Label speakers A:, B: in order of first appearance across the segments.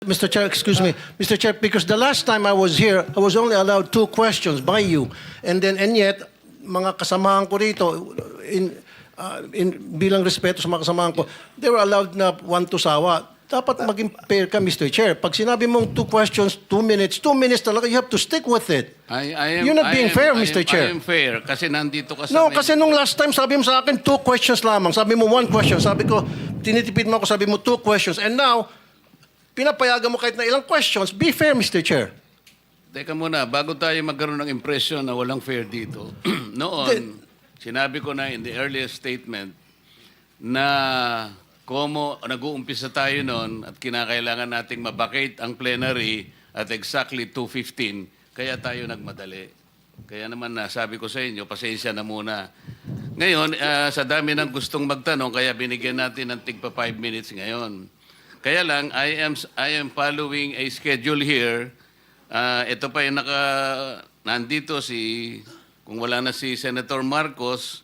A: Mr. Chair, excuse me. Mr. Chair, because the last time I was here, I was only allowed 2 questions by you. And yet, mga kasamahan ko rito, bilang respeto sa mga kasamahan ko, they were allowed na 1 to sawa. Dapat maging fair ka, Mr. Chair. Pag sinabi mong 2 questions, 2 minutes talaga, you have to stick with it. You're not being fair, Mr. Chair.
B: I am fair kasi nandito ka sa...
A: No, kasi nung last time, sabi mo sa akin, 2 questions lamang. Sabi mo 1 question. Sabi ko, tinitipid mo ako, sabi mo 2 questions. And now, pinapayagan mo kahit na ilang questions. Be fair, Mr. Chair.
B: Teka muna, bago tayo magkaroon ng impression na walang fair dito, noon, sinabi ko na in the earliest statement na nag-uumpisa tayo noon at kinakailangan nating mabakate ang plenary at exactly 2:15, kaya tayo nagmadali. Kaya naman sabi ko sa inyo, pasensya na muna. Ngayon, sa dami ng gustong magtanong, kaya binigyan natin ng tigpa 5 minutes ngayon. Kaya lang, I am following a schedule here. Ito pa yung nandito kung wala na si Senator Marcos,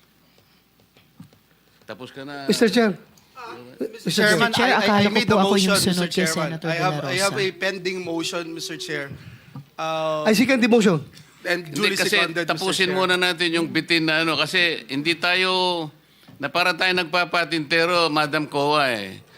B: tapos ka na.
C: Mr. Chair.
D: Mr. Chairman,
E: Chair,
D: I
E: akala ko
D: made
E: po
D: the
E: ako yung
D: motion,
E: sunod
D: Mr.
E: kay
D: Chairman.
E: Senator
D: I have
E: De La
D: a
E: Rosa.
D: pending motion, Mr. Chair.
C: I second the motion.
D: And
B: Hindi,
D: duly
B: kasi
D: seconded, Mr.
B: tapusin
D: Chair.
B: muna natin yung bitin na kasi hindi tayo, na para tayo nagpapatintero, Madam Kowa